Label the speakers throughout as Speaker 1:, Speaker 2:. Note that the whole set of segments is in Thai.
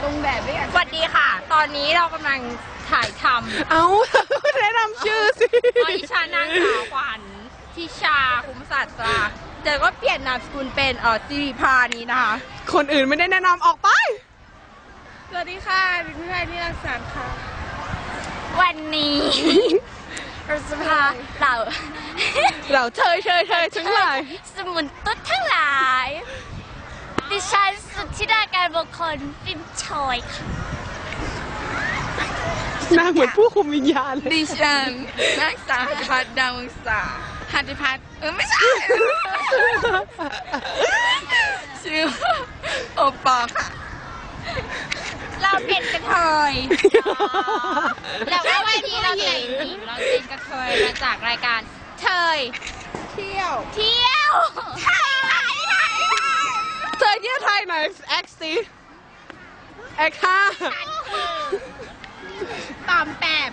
Speaker 1: งแบบไม่อยาก
Speaker 2: สวัสดีค่ะ ตอนนี้เรากำลังถ่ายทำ
Speaker 3: เอาแนะนำชื่อสิ
Speaker 2: ดิฉันนางสาวขวัญทิชาคุ้มศาสตราเดี๋ยวก็เปลี่ยนนามสกุลเป็นสิริพานี้นะคะ
Speaker 3: คนอื่นไม่ได้แนะนำออกไป
Speaker 1: สวัสดีค่ะดิฉันนิรักษาค่ะ
Speaker 2: วันนี้เราจะพา
Speaker 3: เราเชยทั้งหลาย
Speaker 2: สมุนตุ๊ดทั้งหลาย ดิฉันสุทธิดาการบุคคลฟิล์มชอยค่ะ
Speaker 3: หน้าเหมือนผู้คุมวิญญาณเลย
Speaker 1: ดิฉันนักสาวหัตถพัฒน์ดาววงศาหัตถพัฒน์ไม่ใช่ชื่อโอปอค่ะ
Speaker 2: เราเป็นกระเทยแล้วก็วันนี้เราแต่งหญิงเราเป็นกระเทยมาจากรายการเทย
Speaker 1: เที่ยว
Speaker 2: เที่ยวไทย
Speaker 3: เธอเยี่ยไทยหน่อยแอคสิแอคห้า
Speaker 2: ปอมแปม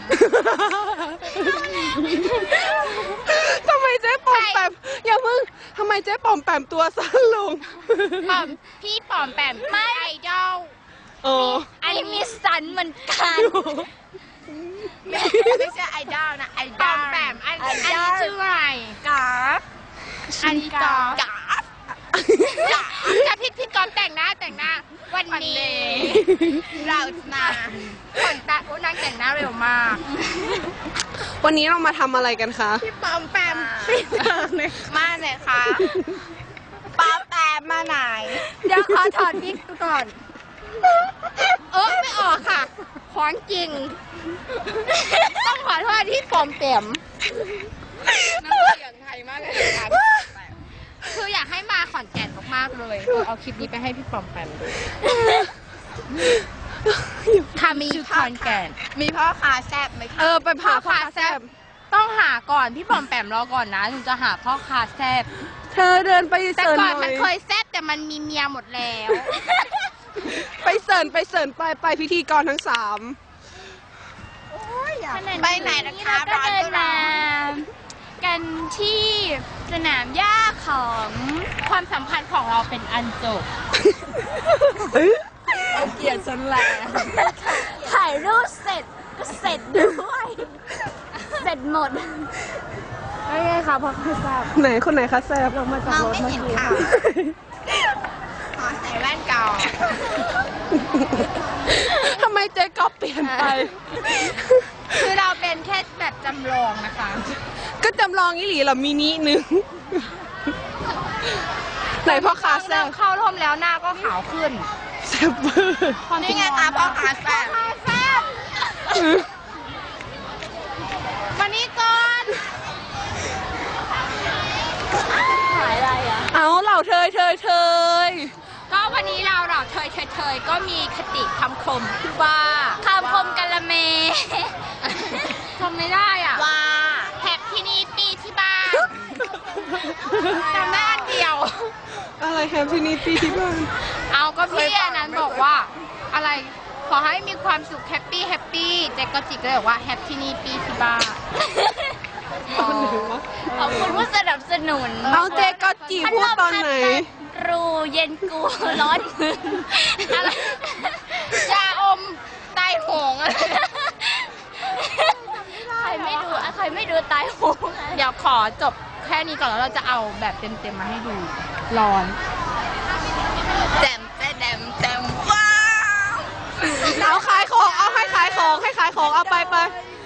Speaker 3: ทำไมเจ๊ปอมแปมอย่ามึงทำไมเจ๊ปอมแปมตัวสั้นลง
Speaker 2: ปอมพี่ปอมแปมไม่ไอดอล
Speaker 3: โอ้
Speaker 2: อันนี้มีสันเหมือนกัน
Speaker 1: ไม่ใช่ไอดอลนะไอ
Speaker 2: ป
Speaker 1: ด
Speaker 2: อ
Speaker 1: อ
Speaker 2: ม
Speaker 1: ล
Speaker 2: แปมอันนี้ชื่ออะไรกราฟอันนี้กราฟ
Speaker 1: กาฟ
Speaker 2: จะพี่กอมแต่งหน้าวันนี้
Speaker 1: เรานา
Speaker 2: คนตาโอ้นางแต่งหน้าเร็วมาก
Speaker 3: วันนี้เรามาทำอะไรกันคะ
Speaker 1: พี่ปอมแปมมาไหนคะปอมแปมมาไหน
Speaker 2: เดี๋ยวขอถอดวิกก่อน ไม่ออกค่ะของจริง ต้องขอโทษที่ปอมแปม
Speaker 1: น้ำเสียงไทยมากเลยค่ะ
Speaker 2: คืออยากให้มาขอนแก่นมากๆเลยเอาคลิปนี้ไปให้พี่ปอมแปมดูค่ะมีขอนแก่น
Speaker 1: มีพ่อค้าแซ่บไหมคะ
Speaker 3: ไปผ่าพ่อค้าแซบ
Speaker 2: ต้องหาก่อนพี่ปอมแปมรอก่อนนะถึงจะหาพ่อค้าแซ่บ
Speaker 3: เธอเดินไป
Speaker 2: แต่
Speaker 3: เสิร์น
Speaker 2: ก่อน
Speaker 3: ห
Speaker 2: มั
Speaker 3: น่
Speaker 2: น
Speaker 3: อย
Speaker 2: เคยแซ่บแต่มันมีเมียหมดแล้ว
Speaker 3: ไปเสิร์นไปพิธีกรทั้งสาม
Speaker 1: ไปไหนนะคะ
Speaker 2: เราก็เดินมากันที่สนามหญ้าของความสัมพันธ์ของเราเป็นอันจบ
Speaker 1: เกลียดฉันแหละ
Speaker 2: ถ่ายรูปเสร็จก็เสร็จด้วย เสร็จหมด
Speaker 1: ไม่ไงคะพ่อค้าแซ่บ
Speaker 3: ไหนคนไหนคะแซบ
Speaker 1: มองไม่เห็นค่ะขอใส่แว่นเก่า
Speaker 3: ทำไมเจ๊ก๊อฟเปลี่ยนไป
Speaker 2: คือเราเป็นแค่แบบจำลองนะคะ
Speaker 3: ก็จำลองอีหลีเหรอมินินึง ไหนพ่อค้าแซ
Speaker 2: เริ่
Speaker 3: บ
Speaker 2: มเข้าร่มแล้วหน้าก็ขาวขึ้น
Speaker 3: แซบเบอร์
Speaker 1: นี่ไงคะพ่อค้าแซ่บ
Speaker 2: แซ่บมานี่ก่อนขายอะไรอ่ะ
Speaker 3: เอาเหล่าเธย
Speaker 2: ก็วันนี้เราเทยก็มีคติคำคมที่ว่าคำคมกะละเมทำไม่ได้อ่ะ
Speaker 1: ว่า
Speaker 2: แท็บที่นี่ปีที่บ้านจำได้อันเดียว
Speaker 3: อะไรแฮปปี้นิตี้ที่บ้าน
Speaker 2: เอาก็พี่อันนั้นบอกว่าอะไรขอให้มีความสุขแฮปปี้เจ๊ก็จิกก็เลยบอกว่าแฮปปี้นี่ปีที่บ้านขอบคุณผู้สนับสนุน
Speaker 3: เอาเจ๊ก็จีพูดตอนไหน
Speaker 2: รูเย็นกูร้อนมืออะไรยาอมตายโหงอะไรใครไม่ดูตายโหงเดี๋ยวขอจบแค่นี้ก่อนแล้วเราจะเอาแบบเต็มๆมาให้ดูร้อน
Speaker 1: แจ่มว้าว
Speaker 3: เอาขายของเอาให้ขายของเอาไป